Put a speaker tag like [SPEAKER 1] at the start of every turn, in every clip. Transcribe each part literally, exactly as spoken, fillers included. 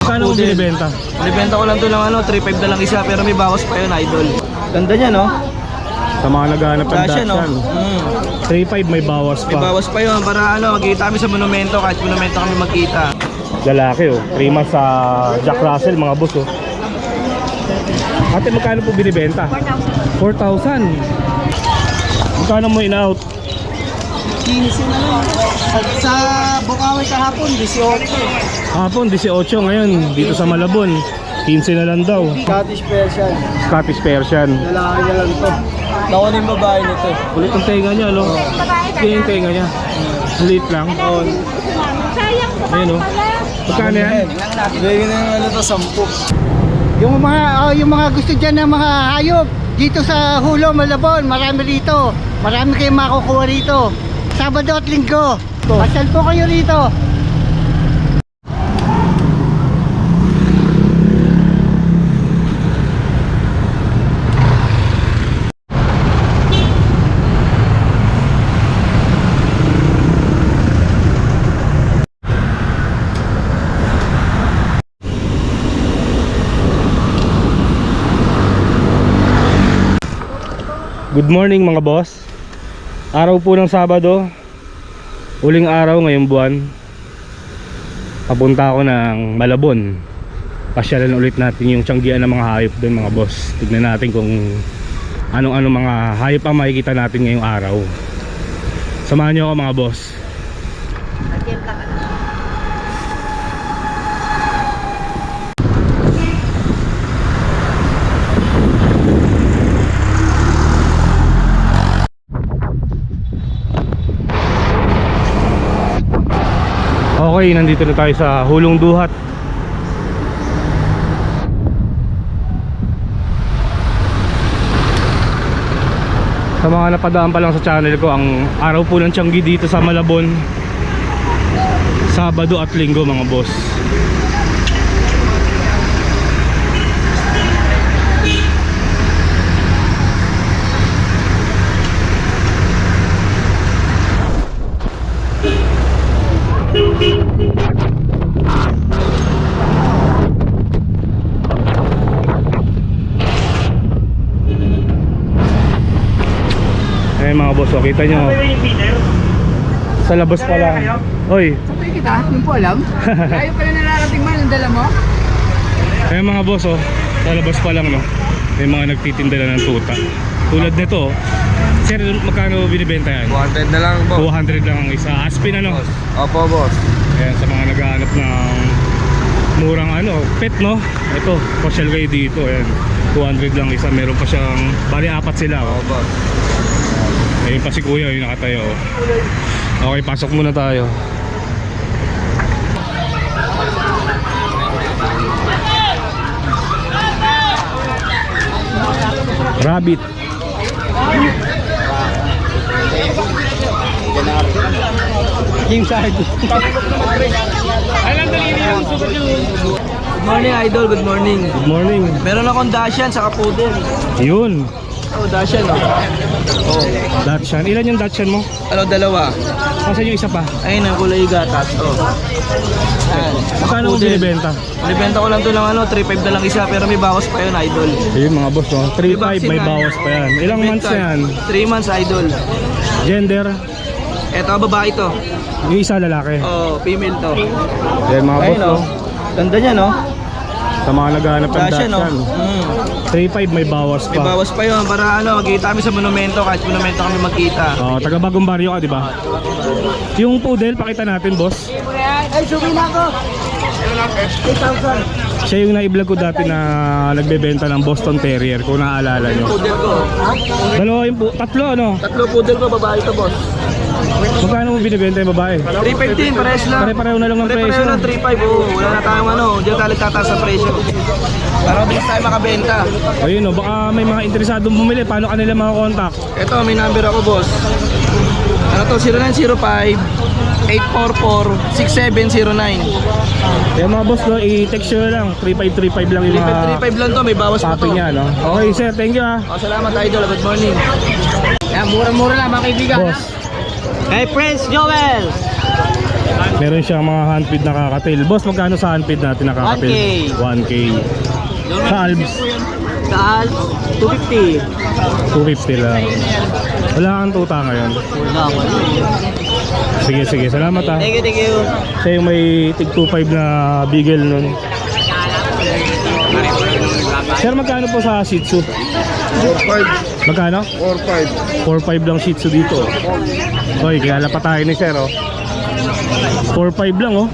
[SPEAKER 1] Magkano mo binibenta?
[SPEAKER 2] Binibenta ko lang to ng ano, three five na lang isa, pero may bawas pa yun, idol. Ganda niya, no?
[SPEAKER 1] Sa mga naghahanap ng
[SPEAKER 2] Dasha, no?
[SPEAKER 1] Dachshund,
[SPEAKER 2] Mm.
[SPEAKER 1] three five may bawas
[SPEAKER 2] May
[SPEAKER 1] pa.
[SPEAKER 2] bawas pa yun, para ano, magkita kami sa monumento, kahit monumento kami magkita.
[SPEAKER 1] Lalaki oh, three months sa Jack Russell mga boss oh. Ate, magkano po binibenta? four thousand. Magkano mo in-out?
[SPEAKER 2] quince na lang. Sa, sa Bukawi kahapon, eighteen.
[SPEAKER 1] Hapon, eighteen ngayon, dito sa Malabon quince na lang daw.
[SPEAKER 2] Scottish Persian.
[SPEAKER 1] Scottish Persian.
[SPEAKER 2] Lalaki na lang to. Naku na yung babae nito.
[SPEAKER 1] Kulit ang tenga niya, no? Hindi yung tenga niya. Liit lang.
[SPEAKER 2] Oh.
[SPEAKER 1] Ayun oh. Magkano yan?
[SPEAKER 2] Bigyan na yung ano to, sampu.
[SPEAKER 3] Yung mga oh, yung mga gusto diyan ng mga hayop dito sa Hulo, Malabon, marami rito. Marami kayong makukuha rito. Sabado at Linggo. Pasal po kayo rito.
[SPEAKER 1] Good morning mga boss. Araw po ng Sabado, huling araw ngayong buwan. Papunta ako ng Malabon. Pasyalan ulit natin yung tiyanggian ng mga hayop doon mga boss. Tignan natin kung anong-ano mga hayop ang makikita natin ngayong araw. Samahan niyo ako mga boss. Okay, nandito na tayo sa Hulong Duhat. Sa mga napadaan pa lang sa channel ko, ang araw po ng Tianggi dito sa Malabon, Sabado at Linggo mga boss. Eh mga boss, oh, kita nyo sa labas pa lang. Oy,
[SPEAKER 3] Sabay kita, hindi po alam. Ayaw pala nararating man ang dala mo.
[SPEAKER 1] eh mga boss, oh, sa labas pa lang no, may mga nagtitinda na ng tuta. Tulad nito, oh. Sir, magkano binibenta yan?
[SPEAKER 2] two hundred na lang, boss.
[SPEAKER 1] two hundred lang ang isa. Aspin ano?
[SPEAKER 2] Opo, boss.
[SPEAKER 1] Ayan, sa mga naghahanap ng murang ano, pet no. Ito, pasyal kayo dito. Ayan, two hundred lang isa. Meron pa siyang, bali apat sila oh.
[SPEAKER 2] Opo, boss.
[SPEAKER 1] Ayun pa si kuya, yung nakatayo oh. Okay, pasok muna tayo. Rabbit.
[SPEAKER 3] Game side.
[SPEAKER 2] Good morning, idol. Good morning.
[SPEAKER 1] Good morning.
[SPEAKER 2] Meron akong Dashan sa Poodle.
[SPEAKER 1] Yun,
[SPEAKER 2] Oh, Dashan, oh. Oh.
[SPEAKER 1] Dachshund. Ilan yung Dachshund mo?
[SPEAKER 2] Ano, dalawa?
[SPEAKER 1] Kasi yung isa pa.
[SPEAKER 2] Ayun, ang kulay gatas. Oh. Ayan.
[SPEAKER 1] Magkano mo
[SPEAKER 2] Poodle.
[SPEAKER 1] binibenta?
[SPEAKER 2] Binibenta ko lang to ng ano, three five na lang isa, pero may bawas pa yun, idol.
[SPEAKER 1] Ayun mga boss no, three five may
[SPEAKER 2] vaccine na.
[SPEAKER 1] bawas pa yan. Ilang months na yan?
[SPEAKER 2] three months, idol.
[SPEAKER 1] Gender?
[SPEAKER 2] Eto, babae to.
[SPEAKER 1] Yung isa lalaki.
[SPEAKER 2] Oh, female to.
[SPEAKER 1] Yan mga boss
[SPEAKER 2] Ayun,
[SPEAKER 1] no,
[SPEAKER 2] oh. Ganda niya, no?
[SPEAKER 1] sa mga naghahanap ng
[SPEAKER 2] Dashan, no?
[SPEAKER 1] Dachshund.
[SPEAKER 2] Mm.
[SPEAKER 1] three five may bawas
[SPEAKER 2] May
[SPEAKER 1] pa.
[SPEAKER 2] bawas pa yun, para ano, magkita kami sa monumento, kahit monumento kami magkita.
[SPEAKER 1] Oh, taga Bagong Baryo ka, di ba? Yung poodle, pakita natin, boss.
[SPEAKER 3] Ay, subi na ako. eight thousand.
[SPEAKER 1] Siya yung na-vlog ko dati na nagbebenta ng Boston Terrier, kung naaalala nyo.
[SPEAKER 2] Poodle ko.
[SPEAKER 1] Dalawa yung po, tatlo ano?
[SPEAKER 2] Tatlo poodle ko, babae to, boss.
[SPEAKER 1] Magkano mo binibenta yung babae?
[SPEAKER 2] three fifteen, pares lang.
[SPEAKER 1] Pare-pareho na lang ng presyo.
[SPEAKER 2] Pare-pareho lang, three five, oh. Wala na tayong ano, diyan tayo tataas sa presyo. Para mabilis tayo makabenta.
[SPEAKER 1] Ayun o, baka may mga interesadong bumili. Paano kanila makakontakt?
[SPEAKER 2] Ito, may number ako, boss. Ano to, zero nine zero five, eight four four, six seven zero nine.
[SPEAKER 1] Kaya mga boss, no, i-text nyo na lang. three five three five lang yung
[SPEAKER 2] three
[SPEAKER 1] mga
[SPEAKER 2] five lang to, may bawas pa to.
[SPEAKER 1] topping niya, no? Okay, sir, thank you ah.
[SPEAKER 2] Oh, salamat, idol. Good morning.
[SPEAKER 3] Yan, mura-mura lang mga kaibigan.
[SPEAKER 1] Boss,
[SPEAKER 3] Hey, Prince Joel.
[SPEAKER 1] Meron siyang mga handfeed na kakatail. Boss, magkano sa handfeed natin na kakatail? one K. Sa Alps,
[SPEAKER 2] Sa two fifty.
[SPEAKER 1] two fifty lang. Wala kang tuta ngayon.
[SPEAKER 2] Wala ko.
[SPEAKER 1] Sige, sige. Salamat ah.
[SPEAKER 2] Thank you, thank you.
[SPEAKER 1] Siya yung may tig two five na beagle nun. Sir, magkano po sa Shih Tzu?
[SPEAKER 2] four five.
[SPEAKER 1] Magkano?
[SPEAKER 2] four five.
[SPEAKER 1] four five lang Shih Tzu dito. Hoy, kaya pa tayo ni Sir oh. four five lang oh.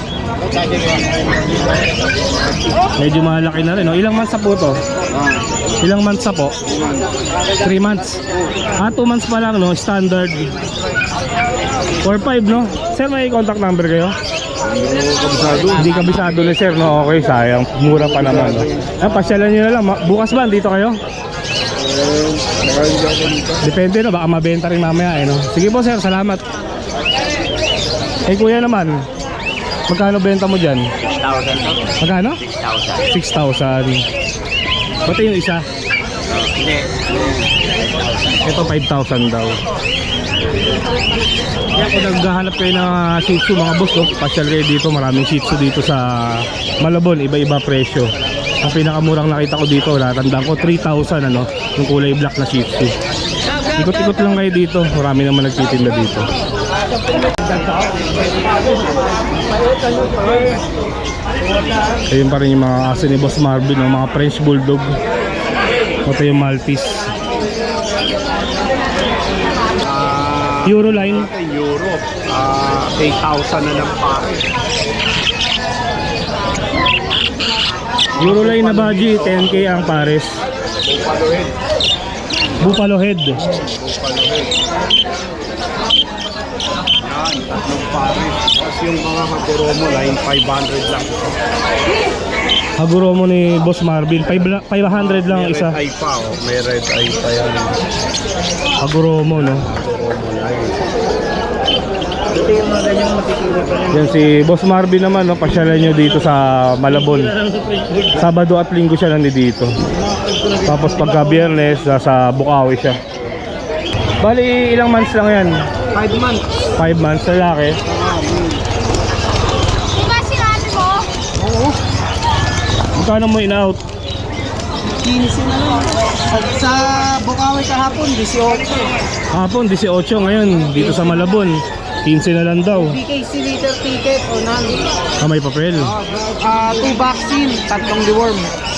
[SPEAKER 1] Medyo malaki na rin oh. Ilang months na po to? Ilang months na po? three months. Ah, two months pa lang no, standard. four five no. Sir, may contact number kayo? Hindi kabisado ni Sir no. Okay, sayang. Mura pa naman no. Ah, pasyalan niyo na lang. Bukas ba dito kayo? Depende no, baka mabenta rin mamaya eh no. Sige po Sir, salamat. Eh kuya naman, magkano benta mo dyan?
[SPEAKER 2] six thousand.
[SPEAKER 1] Magkano? six thousand. Pati yung isa?
[SPEAKER 2] Hindi.
[SPEAKER 1] Ito five thousand daw. Kaya kung naghahanap kayo ng uh, Shih Tzu mga boss no? Pasyal kayo dito, maraming Shih Tzu dito sa Malabon, iba-iba presyo. Ang pinakamurang nakita ko dito, natandaan ko three thousand ano, yung kulay black na Shih Tzu. Ikot-ikot lang kayo dito, marami naman nagtitinda dito. Ayun pa rin yung mga aso ni Boss Marvin, no? Mga French Bulldog. Ito yung Maltese. Euroline.
[SPEAKER 4] Euro, ah eight thousand na lang pa.
[SPEAKER 1] Euroline na baji, ten K ang pares.
[SPEAKER 4] Buffalo head.
[SPEAKER 1] Buffalo head.
[SPEAKER 4] Buffalo head. Yan, tatlong pares. Tapos yung mga Haguromo line, five hundred lang.
[SPEAKER 1] Haguromo ni Boss Marvin, five hundred lang
[SPEAKER 4] May
[SPEAKER 1] isa.
[SPEAKER 4] red eye pa, oh. May red eye pa yan.
[SPEAKER 1] Haguromo no.
[SPEAKER 4] Haguromo line.
[SPEAKER 2] Ito yung mga ganyang makikita pa rin.
[SPEAKER 1] Yan si Boss Marvin naman no, pasyalan nyo dito sa Malabon. Sabado at Linggo siya nandito. Tapos pagka Biyernes nasa Bukawi siya. Bali ilang months lang yan?
[SPEAKER 2] five months.
[SPEAKER 1] five months lalaki.
[SPEAKER 5] Di ba sinabi mo?
[SPEAKER 1] Magkano mo in-out?
[SPEAKER 2] quince na lang. Sa, sa Bukawi kahapon, eighteen.
[SPEAKER 1] Hapon eighteen ngayon dito sa Malabon. fifteen na lang daw.
[SPEAKER 2] B K C liter ticket o none.
[SPEAKER 1] Ah, may papel.
[SPEAKER 2] Ah, two vaccine, tatlong deworm.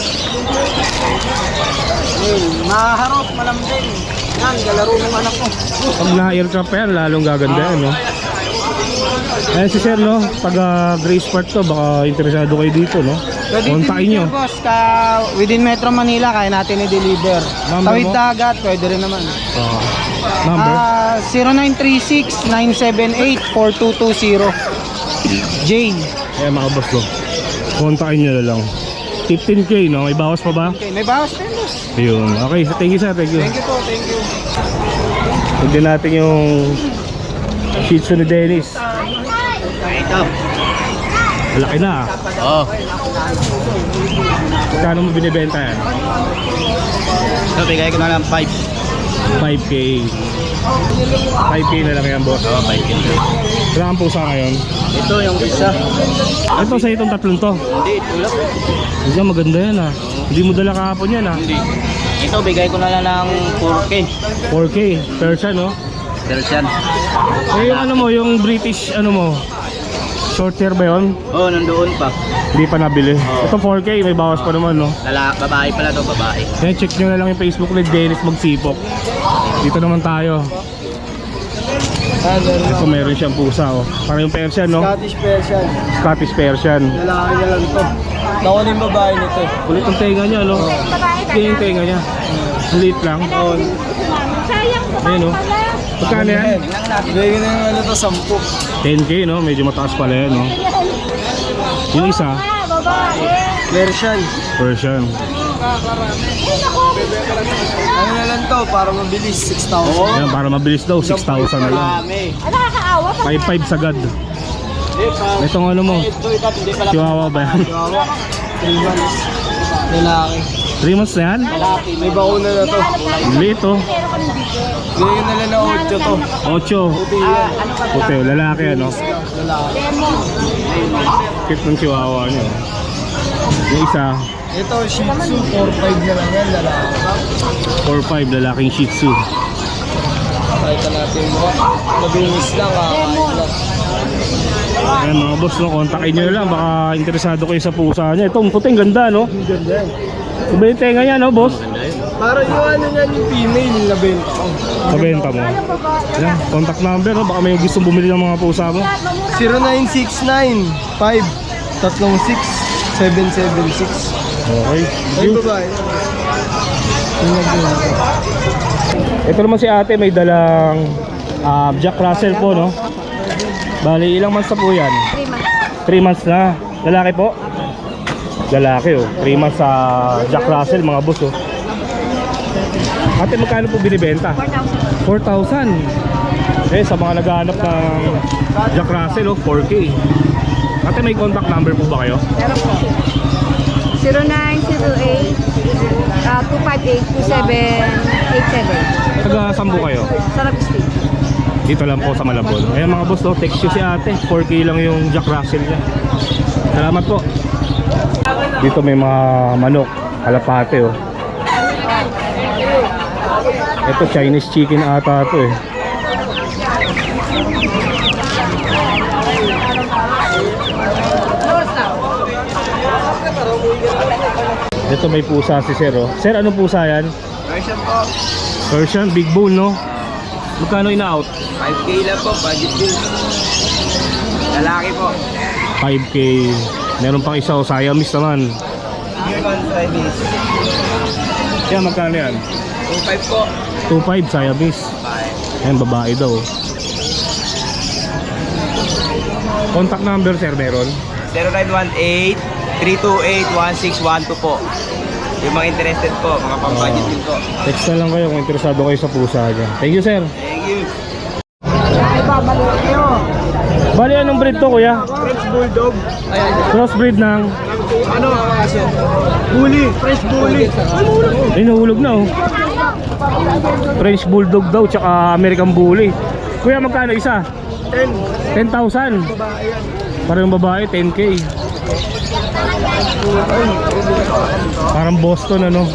[SPEAKER 2] Ayun, maharap, malambing. Yan, galaro ng anak ko.
[SPEAKER 1] Pag na-aircraft pa yan, lalong gaganda yan, no? Ayan si Sir, no? Taga Grace Park to, baka interesado kayo dito, no? Kontakin nyo.
[SPEAKER 2] boss, ka within Metro Manila, kaya natin i-deliver.
[SPEAKER 1] Number
[SPEAKER 2] Tawid
[SPEAKER 1] mo?
[SPEAKER 2] dagat, pwede rin naman.
[SPEAKER 1] Ah, number?
[SPEAKER 2] Ah, zero nine three six, nine seven eight, four two two zero. J.
[SPEAKER 1] Ayan mga boss, no? Kontakin nyo na lang. fifteen K, no? May bawas pa ba?
[SPEAKER 2] Okay, may bawas din, boss.
[SPEAKER 1] Ayun. Okay, thank you, Sir. Thank you.
[SPEAKER 2] Thank you po, thank you.
[SPEAKER 1] Tignan natin yung Shih Tzu ni Dennis.
[SPEAKER 2] Ito.
[SPEAKER 1] Malaki na, ah.
[SPEAKER 2] Oh.
[SPEAKER 1] Magkano mo binibenta yan?
[SPEAKER 2] Ito, bigay ko na lang five.
[SPEAKER 1] five K. five K na lang yan, boss.
[SPEAKER 2] Oh, five K.
[SPEAKER 1] Wala kang pusa ngayon.
[SPEAKER 2] Ito yung isa.
[SPEAKER 1] Ito sa itong tatlong to.
[SPEAKER 2] Hindi, ito lang.
[SPEAKER 1] Hindi, maganda yan, ah. Hindi mo dala kahapon yan, ah.
[SPEAKER 2] Hindi. Ito, bigay ko na lang ng four K.
[SPEAKER 1] four K. Persian, no?
[SPEAKER 2] Persian.
[SPEAKER 1] Eh, yung ano mo, yung British, ano mo, short hair ba yun?
[SPEAKER 2] Oh, nandoon pa.
[SPEAKER 1] Hindi pa nabili.
[SPEAKER 2] Oo.
[SPEAKER 1] Ito four K, may bawas pa naman, no?
[SPEAKER 2] Lala, babae pala to, babae.
[SPEAKER 1] Kaya check nyo na lang yung Facebook ni Dennis Magsipok. Dito naman tayo.
[SPEAKER 2] Ah,
[SPEAKER 1] Ito meron siyang pusa, oh. Para yung Persian, no?
[SPEAKER 2] Scottish Persian.
[SPEAKER 1] Scottish Persian.
[SPEAKER 2] Lalaki na lang to. Nakuha yung babae nito.
[SPEAKER 1] Kulit ang tenga niya, no? Hindi yung tenga niya. Liit lang.
[SPEAKER 5] Oh. Sayang ko
[SPEAKER 1] Ayun, oh. Magkano yan?
[SPEAKER 2] Bigay na yung ano to, sampu.
[SPEAKER 1] ten K, no? Medyo mataas pala yan, no? Yung isa,
[SPEAKER 5] Ah, babae.
[SPEAKER 2] Persian.
[SPEAKER 1] Persian.
[SPEAKER 2] Ano na lang to, para mabilis, six thousand.
[SPEAKER 1] Yan, para mabilis daw, six thousand na lang.
[SPEAKER 2] Marami.
[SPEAKER 5] Ah, nakakaawa.
[SPEAKER 1] five five sagad.
[SPEAKER 2] Hindi pa.
[SPEAKER 1] Itong ano mo,
[SPEAKER 2] Ito, ito, hindi pala.
[SPEAKER 1] Chihuahua ba yan?
[SPEAKER 2] Chihuahua. Three months. Lalaki.
[SPEAKER 1] three months na yan?
[SPEAKER 2] May bakuna na to.
[SPEAKER 1] Liit oh.
[SPEAKER 2] Ganyan na lang na ocho to.
[SPEAKER 1] Ocho. Puti, lalaki ano? Cute ng chihuahua niyo. Yung isa,
[SPEAKER 2] Ito, Shih Tzu, four five na lang yan, lalaki.
[SPEAKER 1] four five, lalaking Shih Tzu.
[SPEAKER 2] Pakita natin yung mukha. Mabilis lang, kakain lang.
[SPEAKER 1] Ayan mga boss, no, kontakin nyo lang, baka interesado kayo sa pusa niya. Itong puting ganda, no?
[SPEAKER 2] Ang ganda yan.
[SPEAKER 1] Iba yung tenga niya, no, boss?
[SPEAKER 2] Parang yung ano niyan, yung female, nabenta ko.
[SPEAKER 1] Pabenta mo. Ayan, contact number, no? Baka may gustong bumili ng mga pusa mo.
[SPEAKER 2] zero nine six nine five three six seven seven six.
[SPEAKER 1] Okay.
[SPEAKER 2] Ay, babae.
[SPEAKER 1] Ito naman si ate, may dalang ah, Jack Russell po, no? Bali, ilang months na po yan? three months na. Lalaki po? Lalaki, oh. three months sa Jack Russell, mga boss, oh. Ate, magkano po binibenta? four thousand. Eh, sa mga naghahanap ng Jack Russell, oh, four K. Ate, may contact number po ba kayo?
[SPEAKER 5] Meron po. zero nine zero eight two five eight two seven eight seven.
[SPEAKER 1] Taga saan po kayo?
[SPEAKER 5] Sarap Street.
[SPEAKER 1] Dito lang po sa Malabon. Ayan mga boss, oh, text nyo si ate. four K lang yung Jack Russell niya. Salamat po. Dito may mga manok, kalapate, oh. Ito Chinese chicken ata to, eh. Ito may pusa si Sir, oh. Sir, anong pusa yan?
[SPEAKER 2] Version po,
[SPEAKER 1] Persian, big bone, no? Magkano ina-out?
[SPEAKER 2] five K lang po, budget bill. Lalaki po.
[SPEAKER 1] five K. Meron pang isa, oh, Siamese naman.
[SPEAKER 2] Year one Chinese.
[SPEAKER 1] Kaya magkano yan?
[SPEAKER 2] two five po.
[SPEAKER 1] two five Siamese.
[SPEAKER 2] Bye.
[SPEAKER 1] Ayan, babae daw. Contact number, sir, meron?
[SPEAKER 2] zero nine one eight three two eight one six one two po. Yung mga interested po, mga pang-budget din po.
[SPEAKER 1] Text na lang kayo kung interesado kayo sa pusa dyan. Thank you, sir.
[SPEAKER 2] Thank you.
[SPEAKER 1] Bali, anong breed to, kuya?
[SPEAKER 2] French Bulldog. Ayan.
[SPEAKER 1] Crossbreed ng...
[SPEAKER 2] Ano? Bully. French Bully.
[SPEAKER 1] Ay, nahulog na, oh. French Bulldog daw, tsaka American Bully. Kuya, magkano isa?
[SPEAKER 2] ten.
[SPEAKER 1] ten thousand.
[SPEAKER 2] Babae yan.
[SPEAKER 1] Parang babae, ten K. Parang Boston, ano?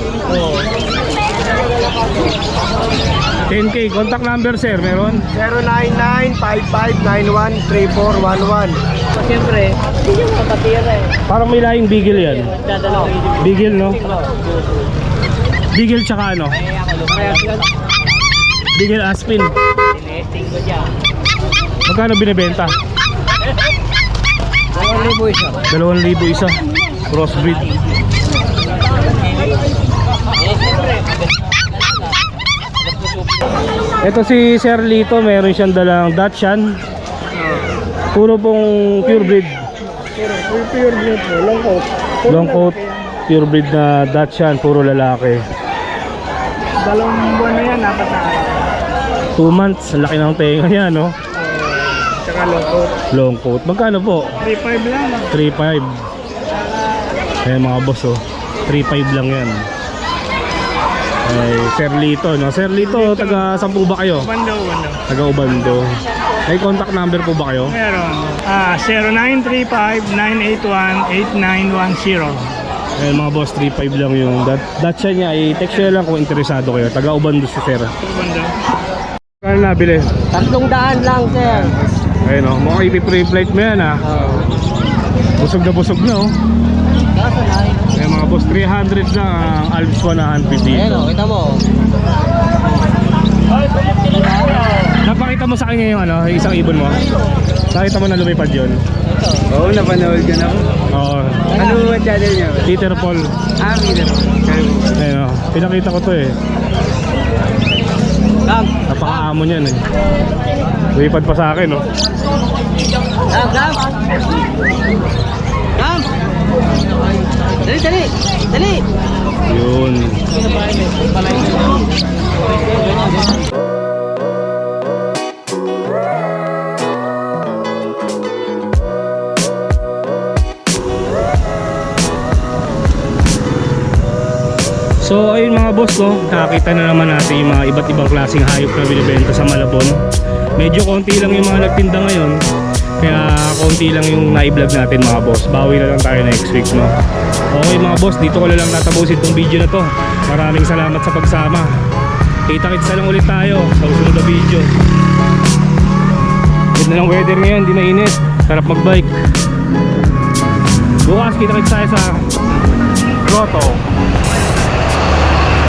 [SPEAKER 1] ten K. Contact number, sir, meron?
[SPEAKER 2] zero nine nine five five nine one three four one one. Siyempre, hindi yung kapatira eh.
[SPEAKER 1] Parang may lahing Beagle yan.
[SPEAKER 2] Dadalaw.
[SPEAKER 1] Beagle, no? Beagle tsaka ano? Beagle Aspin.
[SPEAKER 2] Nesting ko dyan.
[SPEAKER 1] Magkano binibenta?
[SPEAKER 2] Dalawang libo isa.
[SPEAKER 1] Dalawang libo isa. Crossbreed. Ito si Sir Lito, meron siyang dalang Dachshund. Puro pong purebreed.
[SPEAKER 2] Pure breed po. Long coat.
[SPEAKER 1] Long coat, purebreed na Dachshund, puro lalaki.
[SPEAKER 2] Dalawang buwan na yan, apat na araw.
[SPEAKER 1] two months, ang laki ng tenga niya, no?
[SPEAKER 2] Tsaka long coat.
[SPEAKER 1] Long coat. Magkano po?
[SPEAKER 2] three five lang.
[SPEAKER 1] three five. Ayan mga boss, oh. three five lang yan. Ay, Sir Lito, no? Sir Lito, taga saan po ba kayo?
[SPEAKER 2] Bando, bando.
[SPEAKER 1] Taga Ubando. May contact number po ba kayo?
[SPEAKER 2] Meron. Ah, zero nine three five nine eight one eight nine one zero.
[SPEAKER 1] Ayan mga boss, three five lang yung dat datcha niya. I-text nyo lang kung interesado kayo. Taga Ubando si Sir.
[SPEAKER 2] Bando.
[SPEAKER 1] Kano nabili?
[SPEAKER 3] Tatlong daan lang, sir.
[SPEAKER 1] Ayun, oh. Mukhang ipi-free flight mo yan, ha? Busog na busog na, oh. Ayan mga boss, three hundred lang ang Alps one hundred dito.
[SPEAKER 3] Ayan, kita mo.
[SPEAKER 1] Napakita mo sa kanya yung ano, yung isang ibon mo. Nakita mo na lumipad yun.
[SPEAKER 2] Oo, napanood ko na ako.
[SPEAKER 1] Oo.
[SPEAKER 2] Ano ba channel niya?
[SPEAKER 1] Peter Paul.
[SPEAKER 2] Ah, Peter.
[SPEAKER 1] Ayun, oh. Pinakita ko to eh.
[SPEAKER 2] Kam.
[SPEAKER 1] Napakaamon yan eh. Lumipad pa sa akin, oh.
[SPEAKER 2] Kam, kam. Kam. Dali, dali. Dali.
[SPEAKER 1] Yun. So ayun mga boss, no, nakakita na naman natin yung mga iba't ibang klaseng hayop na binibenta sa Malabon. Medyo konti lang yung mga nagtinda ngayon, kaya konti lang yung na-vlog natin mga boss. Bawi na lang tayo next week, no. Okay mga boss, dito ko na lang tatapusin tong video na to. Maraming salamat sa pagsama. Kita-kits na lang ulit tayo sa susunod na video. Ganda ng weather ngayon, di mainit, sarap magbike. Bukas kita-kits tayo sa Grotto.